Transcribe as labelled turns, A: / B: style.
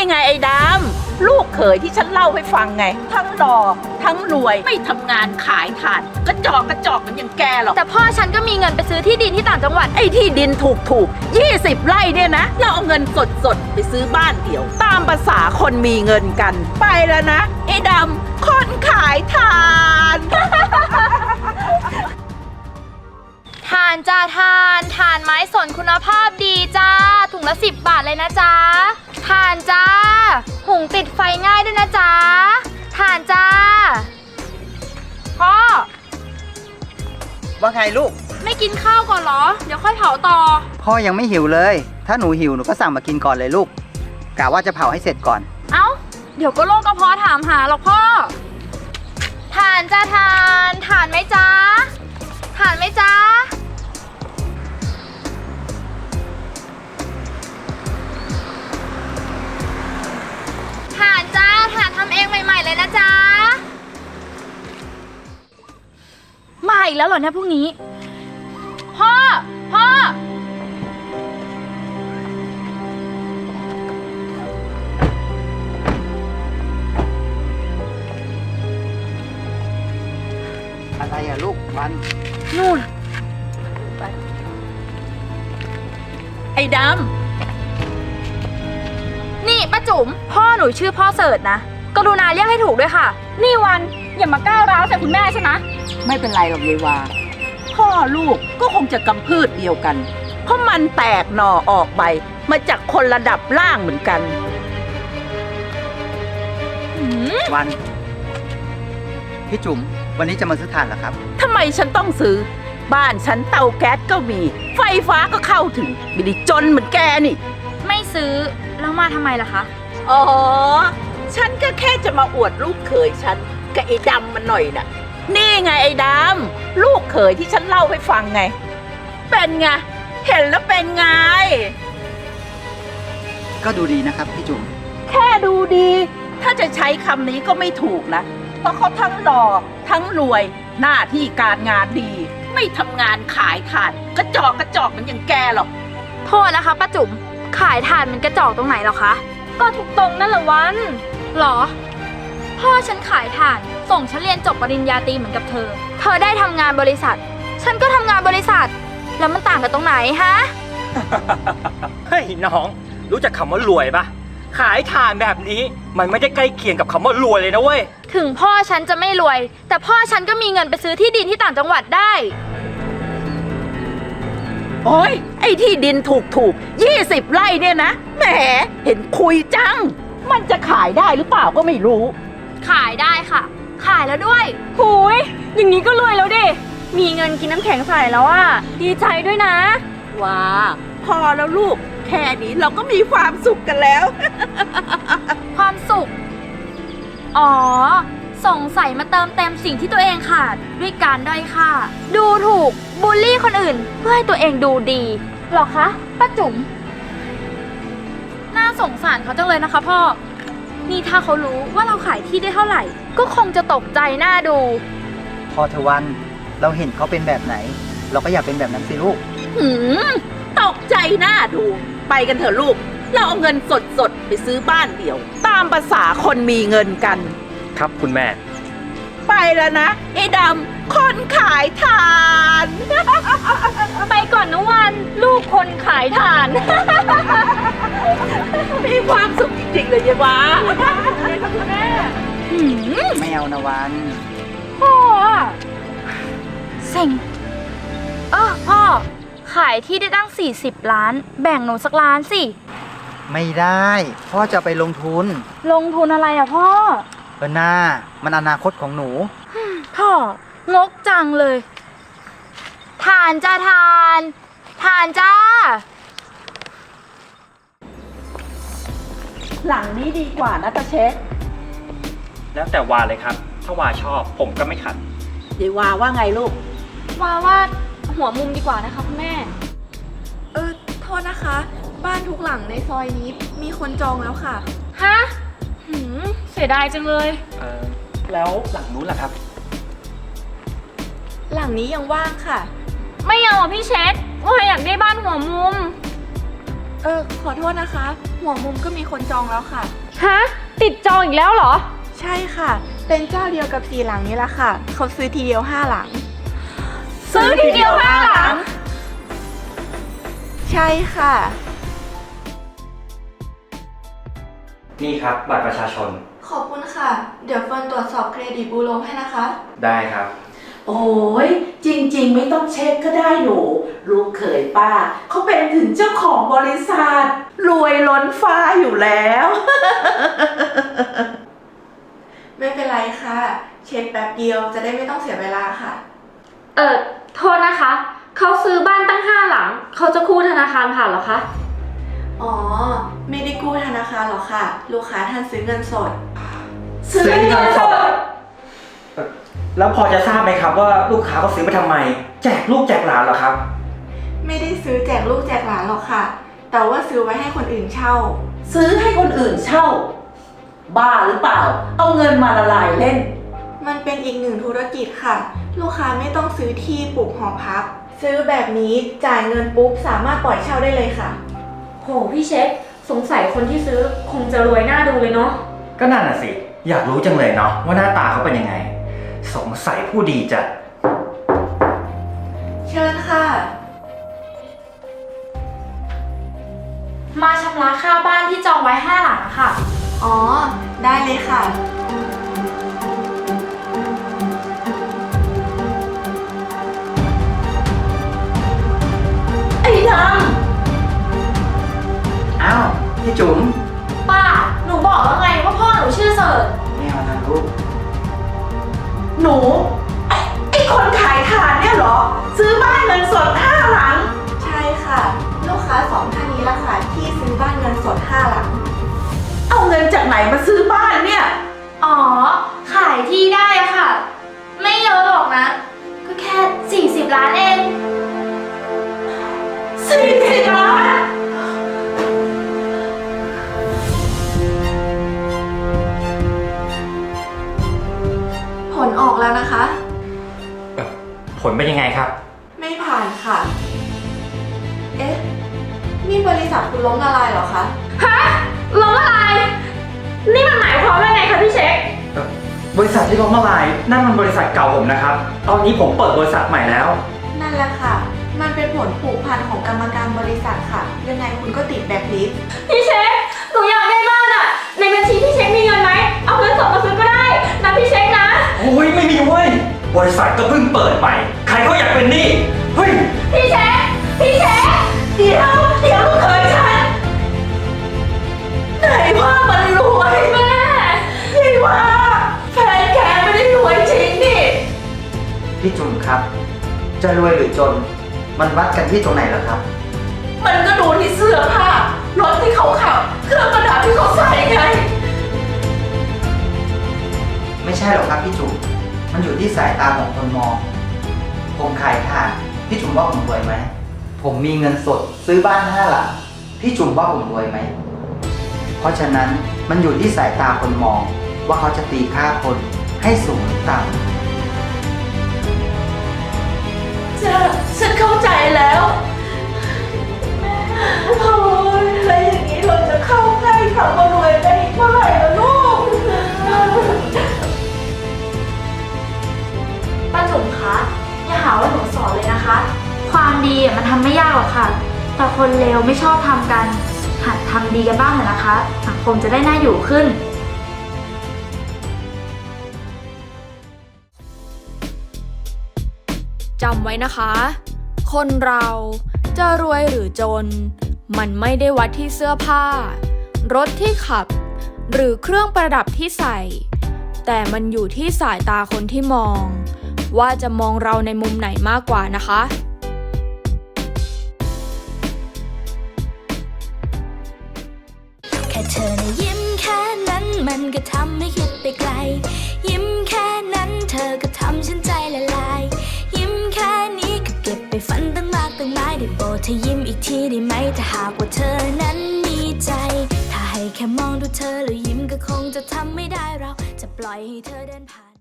A: ไงไอ้ดำลูกเขยที่ฉันเล่าให้ฟังไงทั้งหล่อทั้งรวยไม่ทำงานขายถ่านกระจอกมันอย่างแกหรอก
B: แต่พ่อฉันก็มีเงินไปซื้อที่ดินที่ต่างจังหวัด
A: ไอ้ที่ดินถูก20 ไร่เนี่ยนะเราเอาเงินสดไปซื้อบ้านเดี่ยวตามภาษาคนมีเงินกันไปแล้วนะไอ้ดำคนขายถ่าน
B: ถ่านจ้าถ่านไม้สนคุณภาพดีจ้าถุงละ10 บาทเลยนะจ๊ะถ่านจ้าหุงติดไฟง่ายด้วยนะจ๊ะถ่านจ้าพ่อ
C: ว่าไงลูก
B: ไม่กินข้าวก่อนเหรอเดี๋ยวค่อยเผาต่อ
C: พ่อยังไม่หิวเลยถ้าหนูหิวหนูก็สั่งมากินก่อนเลยลูกกะว่าจะเผาให้เสร็จก่อน
B: เอ้าเดี๋ยวก็โรคกระเพาะถามหาหรอกพ่อถ่านจ้าถ่านไหมจ๊ะถ่านไหมจ๊ะถ่านจ้าถ่านทำเองใหม่ๆเลยนะจ๊ะมาอีกแล้วเหรอเนี่ยพรุ่งนี้พ่อ
C: อะไรอะลูกวัน
B: นู่น
A: ไปไอ้ด
B: นี่ป้าจุ๋มพ่อหนูชื่อพ่อเสิร์ชนะกรุณาเรียกให้ถูกด้วยค่ะนี่วันอย่ามาก้าวร้าวใส่คุณแม่ใช่ไหม
A: ไม่เป็นไรหรอกยายวาพ่อลูกก็คงจะกำพืชเดียวกันเพราะมันแตกหน่อออกใบมาจากคนระดับล่างเหมือนกัน
C: วันพี่จุ๋มวันนี้จะมาซื้อถ่านเหรอครับ
A: ทำไมฉันต้องซื้อบ้านฉันเตาแก๊สก็มีไฟฟ้าก็เข้าถึงไม่ได้จนเหมือนแกนี่
B: ไม่ซื้อแล้วมาทำไมล่ะคะ
A: อ๋อฉันก็แค่จะมาอวดลูกเขยฉันกับไอ้ดำมันหน่อยน่ะนี่ไงไอ้ดำลูกเขยที่ฉันเล่าให้ฟังไงเป็นไงเห็นแล้วเป็นไง
C: ก็ดูดีนะครับพี่จุ๋ม
A: แค่ดูดีถ้าจะใช้คำนี้ก็ไม่ถูกนะเพราะเขาทั้งหล่อทั้งรวยหน้าที่การงานดีไม่ทำงานขายถ่านกระจอกมันอย่างแกหรอก
B: โทษนะคะป้าจุ๋มขายถ่านมันกระจอกตรงไหนหรอคะก็ทุกตรงนั่นแหละวันหรอพ่อฉันขายถ่านส่งฉันเรียนจบปริญญาตรีเหมือนกับเธอได้ทำงานบริษัทฉันก็ทำงานบริษัทแล้วมันต่างกันตรงไหนฮะ
D: เฮ้ยน้องรู้จักคำว่ารวยปะขายถ่านแบบนี้มันไม่ได้ใกล้เคียงกับคำว่ารวยเลยนะเว้ย
B: ถึงพ่อฉันจะไม่รวยแต่พ่อฉันก็มีเงินไปซื้อที่ดินที่ต่างจังหวัดได้
A: โอ้ยไอ้ที่ดินถูก20 ไร่เนี่ยนะแหมเห็นคุยจังมันจะขายได้หรือเปล่าก็ไม่รู้
B: ขายได้ค่ะขายแล้วด้วยหูยอย่างนี้ก็รวยแล้วดิมีเงินกินน้ำแข็งใส่แล้วอ่ะดีใจด้วยนะ
A: ว้าพอแล้วลูกแค่นี้เราก็มีความสุขกันแล้ว
B: ความสุขอ๋อสงสัยมาเติมเต็มสิ่งที่ตัวเองขาดด้วยการด้อยค่าดูถูกบูลลี่คนอื่นเพื่อให้ตัวเองดูดีหรอคะป้าจุ๋มน่าสงสารเขาจังเลยนะคะพ่อนี่ถ้าเขารู้ว่าเราขายที่ได้เท่าไหร่ก็คงจะตกใจหน้าดู
C: พอเธอวันเราเห็นเขาเป็นแบบไหนเราก็อยากเป็นแบบนั้นสิลูก
A: ตกใจหน้าดูไปกันเถอะลูกเราเอาเงินสดไปซื้อบ้านเดี่ยวตามภาษาคนมีเงินกัน
D: ครับคุณแม่
A: ไปแล้วนะไอ้ดำคนขายถ่าน
B: ไปก่อนนะวันลูกคนขายถ่าน
A: มีความสุขจริงๆเลยยายวา
B: แม่
C: ไม่เอานะวัน
B: พ่อเซ็งพ่อขายที่ได้ตั้ง40 ล้านแบ่งหนูสักล้านสิ
C: ไม่ได้พ่อจะไปลงทุน
B: อะไรอะพ่อ
C: หน้ามันอนาคตของหนู
B: พ่องกจังเลยถ่านจ้าถ่านจ้า
A: หลังนี้ดีกว่านะตาเช็ค
D: แล้วแต่วาเลยครับถ้าวาชอบผมก็ไม่ขัด
A: เดี๋ยววาว่าไงลูก
B: ว่าหัวมุมดีกว่านะคะคุณแม่
E: โทษนะคะบ้านทุกหลังในซอยนี้มีคนจองแล้วค่ะ
B: ฮะเสียดายจังเลย
D: แล้วหลังนู้นล่ะครับ
E: หลังนี้ยังว่างค่ะ
B: ไม่เอาพี่เช็คว่าอยากได้บ้านหัวมุม
E: ขอโทษนะคะ หัวมุมก็มีคนจองแล้วค่ะ
B: ฮะ ติดจองอีกแล้วเหรอ
E: ใช่ค่ะ เป็นเจ้าเดียวกับ4 หลังนี้ละค่ะ เขาซื้อทีเดียว5 หลัง
B: ซื้อทีเดียว5 หลัง
E: ใช่ค่ะ
D: นี่ครับบัตรประชาชน
E: ขอบคุณค่ะ เดี๋ยวเฟิร์นตรวจสอบเครดิตบูโรให้นะคะ
D: ได้ครับ
A: โอ้ยจริงๆไม่ต้องเช็คก็ได้หนู ลูกเขยป้า เขาเป็นถึงเจ้าของบริษัท รวยล้นฟ้าอยู่แล้ว
E: ไม่เป็นไรค่ะ เช็คแป๊บเดียวจะได้ไม่ต้องเสียเวลาค่ะ
B: โทษนะคะ เขาซื้อบ้านตั้ง5 หลัง เขาจะกู้ธนาคารผ่านเหรอคะ
E: อ๋อ ไม่ได้กู้ธนาคารหรอกค่ะ ลูกค้าท่านซื้อเงินสด
A: ซื้อเงินสด
D: แล้วพอจะทราบไหมครับว่าลูกค้าเขาซื้อไปทำไม แจกลูกแจกหลานเหรอครับ
E: ไม่ได้ซื้อแจกลูกแจกหลานหรอกค่ะ แต่ว่าซื้อไว้ให้คนอื่นเช่า
A: ซื้อให้คนอื่นเช่า บ้าหรือเปล่า เอาเงินมาละลายเล่น
E: มันเป็นอีกหนึ่งธุรกิจค่ะ ลูกค้าไม่ต้องซื้อที่ปลูกหอพัก ซื้อแบบนี้จ่ายเงินปุ๊บสามารถปล่อยเช่าได้เลยค่ะ
B: โหพี่เช็ค สงสัยคนที่ซื้อคงจะรวยหน้าดูเลยเนาะ
D: ก็นั่นน่ะสิ อยากรู้จังเลยเนาะว่าหน้าตาเขาเป็นยังไง สงสัยผู้ดีจัด
E: เชิญค่ะ
B: มาชำระค่าบ้านที่จองไว้5 หลังอะค่ะ
E: อ๋อ ได้เลยค่ะ
A: ไอ้ด
C: อ้าว พี่จุ๋ม
B: ป้า หนูบอกแล้วไงว่าพ่อหนูชื่อเสิร์ช
C: ไม่เอานะลูก
A: ำหนู ไอ้คนขายถ่านเนี่ยเหรอ ซื้อบ้านเงินสด5 หลัง
E: ใช่ค่ะ ลูกค้า2 ท่านนี้ละค่ะที่ซื้อบ้านเงินสด5 หลัง
A: เอาเงินจากไหนมาซื้อบ้านเนี่ย
B: อ๋อ ขายที่ได้อะค่ะ ไม่เยอะหรอกนะ ก็แค่ 40 ล้านเอง
A: 40 ล้าน
E: ผลออกแล้วนะคะ
D: ผลเป็นยังไงครับ
E: ไม่ผ่านค่ะ เอ๊ะ นี่บริษัทคุณล้มละลายเหรอคะ
B: ฮะล้มละลาย นี่มันหมายความว่าไงคะพี่เช็ค
D: บริษัทที่ล้มละลายนั่นมันบริษัทเก่าผมนะครับ ตอนนี้ผมเปิดบริษัทใหม่แล้ว
E: นั่นแหละค่ะ มันเป็นผลผูกพันของกรรมการบริษัทค่ะ ยังไงคุณก็ติดแบล็คลิสต์
B: พี่เช็ค หนูอยากได้บ้านอะในบัญชีพี่เช็คมีเงินไหม เอาเงินสดมาซื้อก็ได้นะพี่เช็คนะ
D: โอ้ยไม่มีเว้ย บริษัทก็เพิ่งเปิดใหม่ ใครเขาอยากเป็นหนี้ เฮ้ย
B: พี่เช็ค พี่เช็ค
A: เดี๋ยวลูกเขยฉัน ไหนว่ามันรวย
B: แม่
A: พี่ว่าแฟนแกไม่ได้รวยจริงนี่
C: พี่จุ๋มครับ จะรวยหรือจน มันวัดกันที่ตรงไหนเหรอครับ
A: มันก็ดูที่เสื้อผ้า รถที่เขาขับ เครื่องประดับที่เขาใส่ไง
C: ไม่ใช่หรอกครับพี่จุ๋ม มันอยู่ที่สายตาของคนมอง ผมขายถ่าน พี่จุ๋มว่าผมรวยไหม ผมมีเงินสดซื้อบ้าน5 หลัง พี่จุ๋มว่าผมรวยไหม เพราะฉะนั้นมันอยู่ที่สายตาคนมอง ว่าเขาจะตีค่าคนให้สูงหรือต่ำ
A: ฉันเข้าใจแล้วโอ้ยแล้วอย่างนี้เราจะเข้าใกล้คำว่ารวยได้อีกเมื่อไหร่ล่ะลูก
B: ป้าจุ๋มคะ อย่าหาว่าหนูสอนเลยนะคะ ความดีอะมันทำไม่ยากหรอกค่ะ แต่คนเลวไม่ชอบทำกัน หัดทำดีกันบ้างเถอะนะคะ สังคมจะได้น่าอยู่ขึ้น
F: จำไว้นะคะ คนเราจะรวยหรือจน มันไม่ได้วัดที่เสื้อผ้า รถที่ขับ หรือเครื่องประดับที่ใส่ แต่มันอยู่ที่สายตาคนที่มอง ว่าจะมองเราในมุมไหนมากกว่านะคะ
G: แค่เธอนะยิ้มแค่นั้นมันก็ทำให้คิดไปไกล ยิ้มแค่นั้นเธอก็ทำฉันใจละลาย ยิ้มแค่นี้ก็เก็บไปฝันตั้งมากตั้งหลายได้โปรดเธอยิ้มอีกทีได้ไหมถ้าหากว่าเธอนั้นมีใจ ถ้าให้แค่มองดูเธอแล้วยิ้มก็คงจะทำไม่ได้เราจะปล่อยให้เธอเดินผ่าน